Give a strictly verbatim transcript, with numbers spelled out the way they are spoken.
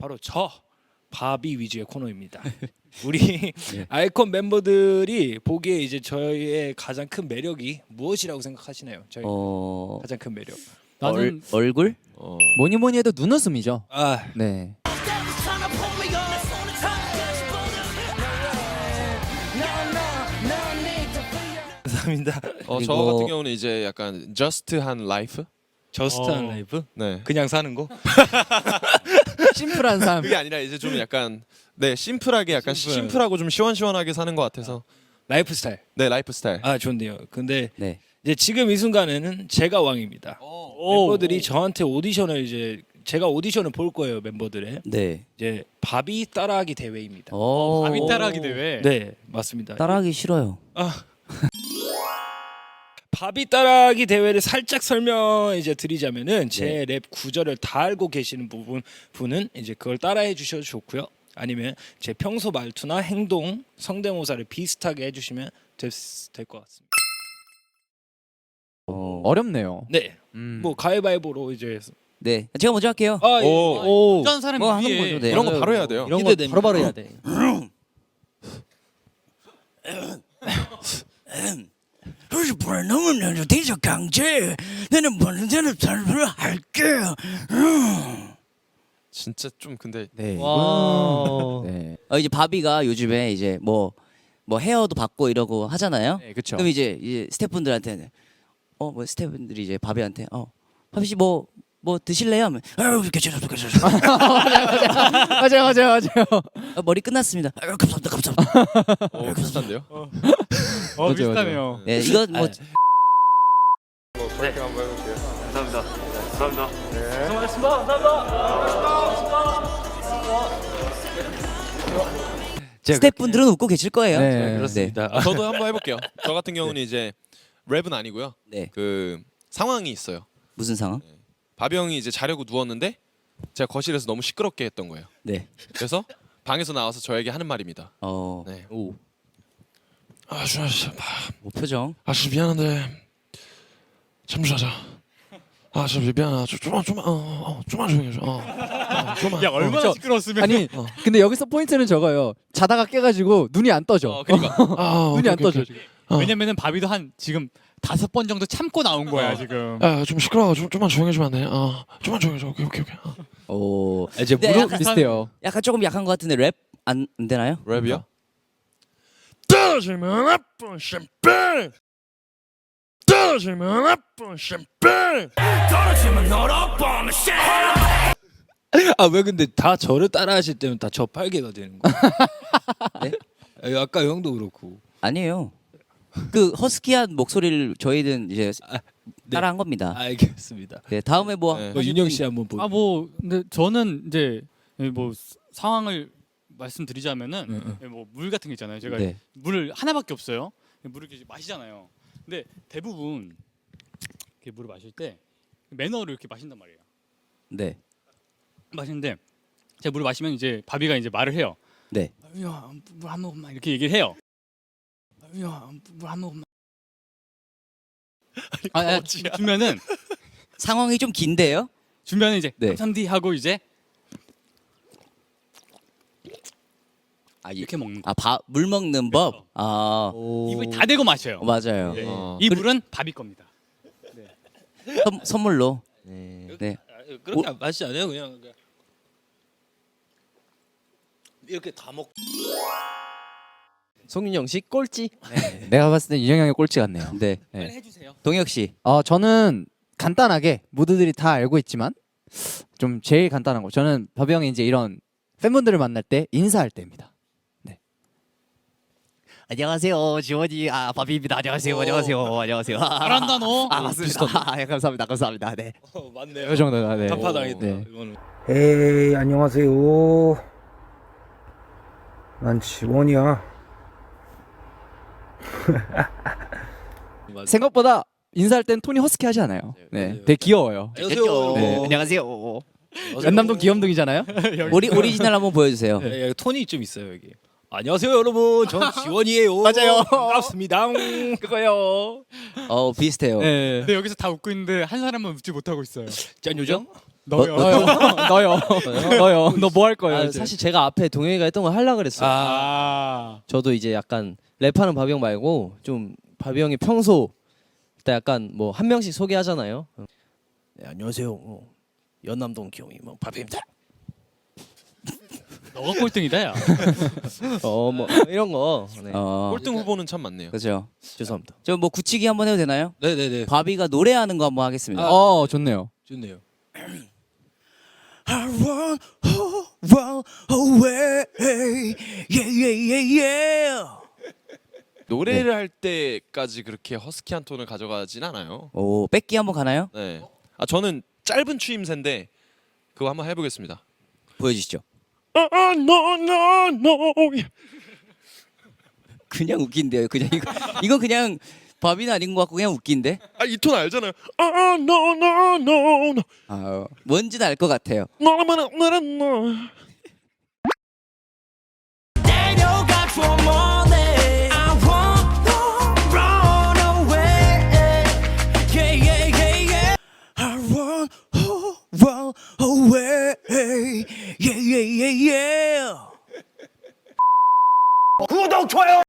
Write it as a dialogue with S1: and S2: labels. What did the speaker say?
S1: 바로 저 바비 위주의 코너입니다. 우리 네. 아이콘 멤버들이 보기에 이제 저희의 가장 큰 매력이 무엇이라고 생각하시나요? 저희 어... 가장 큰 매력.
S2: 나는 얼, 얼굴? 어...
S3: 뭐니 뭐니 해도 눈웃음이죠.
S1: 아,
S3: 네.
S1: 감사합니다.
S4: 어, 저 같은 경우는 이제 약간 저스트한 라이프?
S1: 저스트한 어... 라이프?
S4: 네.
S1: 그냥 사는 거?
S3: 심플한 삶.
S4: 그게 아니라 이제 좀 약간 네 심플하게 약간 심플. 심플하고 좀 시원시원하게 사는 것 같아서
S1: 라이프 스타일.
S4: 네 라이프 스타일.
S1: 아 좋네요. 근데
S2: 네.
S1: 이제 지금 이 순간에는 제가 왕입니다. 오, 멤버들이 오. 저한테 오디션을 이제 제가 오디션을 볼 거예요 멤버들의.
S2: 네.
S1: 이제 바비 따라하기 대회입니다.
S3: 오. 바비 따라하기 대회.
S1: 네 맞습니다.
S2: 따라하기 싫어요.
S1: 아. 바비 따라하기 대회를 살짝 설명 이제 드리자면은 제 랩 네. 구절을 다 알고 계시는 부분 분은 이제 그걸 따라해 주셔도 좋고요. 아니면 제 평소 말투나 행동, 성대모사를 비슷하게 해주시면 될 것 같습니다.
S3: 어... 어렵네요.
S1: 네, 음. 뭐 가위바위보로 이제.
S2: 네, 제가 먼저 할게요.
S1: 아, 예.
S3: 오,
S1: 어떤 사람이
S2: 뭐 위에 거죠, 네.
S4: 이런 거 바로 해야 돼요.
S3: 이런 거 바로 바로 해야 돼.
S5: 그래서 너무 너무 대저 강제 나는 뭐는 대로 잘을 할게.
S4: 진짜 좀 근데
S3: 네.
S2: 와. 네. 어, 이제 바비가 요즘에 이제 뭐 뭐 헤어도 받고 이러고 하잖아요.
S3: 네, 그렇죠.
S2: 그럼 이제 이제 스태프분들한테는 어 뭐 스태프분들이 이제 바비한테 어 바비 씨 뭐 뭐 드실래요? 하면
S5: 아유 괜찮아 괜찮아.
S3: 맞아요 맞아요 맞아요.
S2: 어, 머리 끝났습니다.
S5: 아유 감사합니다 감사합니다.
S4: 어, 비슷한데요?
S3: 어,
S1: 어 비슷하네요.
S2: 네 이거 뭐.
S4: 뭐 브레이크 한번 해볼게요.
S1: 감사합니다. 감사합니다. 네. 수고하셨습니다. 감사합니다.
S2: 스태프분들은 웃고 계실 거예요.
S3: 네,
S1: 그렇습니다.
S4: 네. 저도 한번 해볼게요. 저 같은 경우는 이제 랩은 아니고요.
S2: 네.
S4: 그 상황이 있어요.
S2: 무슨 상황?
S4: 네. 바비 형이 이제 자려고 누웠는데 제가 거실에서 너무 시끄럽게 했던 거예요.
S2: 네.
S4: 그래서 방에서 나와서 저에게 하는 말입니다.
S2: 어.
S4: 네.
S2: 오.
S4: 아, 준아 씨,
S2: 뭐 표정?
S4: 아, 씨 미안한데 잠시 자자. 아, 씨 미안하다. 좀만 좀만 어, 어, 좀만 조용히 해줘. 어, 어, 좀만.
S1: 야 얼마나
S3: 어,
S1: 시끄러웠으면.
S3: 아니
S4: 어.
S3: 근데 여기서 포인트는 저거요. 자다가 깨가지고 눈이 안 떠져.
S4: 어, 그러니까. 아,
S3: 눈이
S4: 오케이,
S3: 안
S4: 오케이,
S3: 떠져.
S4: 오케이. 어.
S6: 왜냐면은 바비도 한 지금 다섯 번 정도 참고 나온 거야 지금.
S4: 아, 좀 시끄러워. 좀 좀만 조용히 해주면 안 돼? 어, 좀만 조용히 해줘. 오케이, 오케이, 오케이. 어.
S2: 오.
S3: 이제
S2: 네,
S3: 무릎
S2: 약간-
S3: 비슷해요.
S2: 약간 조금 약한 것 같은데 랩 안 되나요?
S4: 랩이요? 떨어지면 아픈 샴페인. 떨어지면 아픈 샴페인.
S5: 떨어지면 너로보면
S1: 아 왜 근데 다 저를 따라하실 때는 다 저 팔개가 되는 거예요?
S2: 네?
S1: 아, 아까 형도 그렇고.
S2: 아니에요. 그 허스키한 목소리를 저희는 이제
S1: 아, 네.
S2: 따라한 겁니다.
S1: 알겠습니다.
S2: 네 다음에 뭐
S4: 네.
S1: 뭐 윤영 씨 한번 보.
S6: 아 뭐 근데 저는 이제 뭐 상황을 말씀드리자면은
S1: 응, 응.
S6: 뭐 물 같은 게 있잖아요. 제가
S2: 네.
S6: 물을 하나밖에 없어요. 물을 이렇게 마시잖아요. 근데 대부분 이렇게 물을 마실 때 매너를 이렇게 마신단 말이에요.
S2: 네.
S6: 마시는데 제가 물을 마시면 이제 바비가 이제 말을 해요.
S2: 네.
S6: 야, 물 한 모금만 이렇게 얘기를 해요. 야, 물 한 모금만. 아, 아, 주- 주면은
S2: 상황이 좀 긴데요?
S6: 주면은 이제
S2: 네.
S6: 감사합니다 하고 이제
S2: 아, 이-
S6: 이렇게 먹는 거.
S2: 아, 물 먹는 법. 아,
S6: 입을 다 대고 마셔요.
S2: 어, 맞아요.
S6: 네.
S4: 어.
S6: 이 물은 바비 겁니다.
S2: 선, 선물로. 네.
S1: 아, 그렇게 안 마시지 않아요? 그냥, 그냥 이렇게 다 먹.
S3: 송윤영 씨 꼴찌. 네. 내가 봤을 때 윤영 형의 꼴찌 같네요.
S2: 네.
S6: 빨리 해주세요.
S2: 동혁 씨.
S3: 어 저는 간단하게 모두들이 다 알고 있지만 좀 제일 간단한 거. 저는 바비 형이 이제 이런 팬분들을 만날 때 인사할 때입니다. 네.
S5: 안녕하세요 지원이 아 바비입니다. 안녕하세요 안녕하세요 안녕하세요.
S6: 잘한다 너.
S5: 아 맞습니다. 아, 예, 감사합니다 감사합니다. 네.
S1: 어, 맞네요.
S3: 이 정도가 네.
S1: 단파당했다.
S3: 네.
S1: 이거는.
S7: 에이 안녕하세요. 난 지원이야.
S1: 맞아요.
S3: 생각보다 인사할 땐 톤이 허스키 하지 않아요. 네.
S1: 맞아요.
S3: 되게 귀여워요.
S1: 안녕하세요.
S3: 네.
S5: 안녕하세요.
S3: 연남동 귀염둥이잖아요.
S2: 오리 오리지널 한번 보여주세요.
S1: 예, 예, 톤이 좀 있어요 여기. 안녕하세요 여러분, 전 지원이에요. 맞아요. 반갑습니다.
S3: 그거요.
S2: 어 비슷해요.
S3: 네.
S6: 근데 여기서 다 웃고 있는데 한 사람만 웃지 못하고 있어요.
S1: 짠 요정.
S6: 너요.
S3: 너요, 너요, 너요. 너 뭐 할 거예요?
S8: 아,
S3: 이제?
S8: 사실 제가 앞에 동영이가 했던 걸 하려고 그랬어요.
S6: 아.
S8: 저도 이제 약간 랩하는 바비 형 말고 좀 바비 형이 평소 때 약간 뭐 한 명씩 소개하잖아요. 네, 안녕하세요. 어, 연남동 기영이 뭐 바비입니다.
S6: 너가 꼴등이다 야.
S8: 어 뭐 이런 거. 네.
S2: 어,
S4: 꼴등 후보는 참 많네요.
S2: 그렇죠.
S8: 죄송합니다.
S2: 저 뭐 굳히기 한번 해도 되나요?
S1: 네네네.
S2: 바비가 노래하는 거 한번 하겠습니다.
S3: 어, 좋네요.
S1: 좋네요.
S5: I run oh, run away. Yeah, yeah, yeah, yeah.
S4: 노래를 할 때까지 그렇게 허스키한 톤을 가져가진 않아요.
S2: 오, 뺏기 한번 가나요?
S4: 네. 아 저는 짧은 추임새인데 그거 한번 해보겠습니다.
S2: 보여주시죠.
S4: 아, 아, no, no, no.
S2: 그냥 웃긴데요. 그냥 이거 이거 그냥 바비는 아닌 것 같고 그냥 웃긴데.
S4: 아 이 톤 알잖아요. 아, 아, no, no, no, no.
S2: 아, 뭔지는 알 것 같아요.
S4: No, no, no, no, no.
S5: Daniel got for money. I want to run away. Yeah, yeah, yeah, yeah. I run, oh, run away. Yeah, yeah, yeah, yeah.
S7: 구독, 좋아요.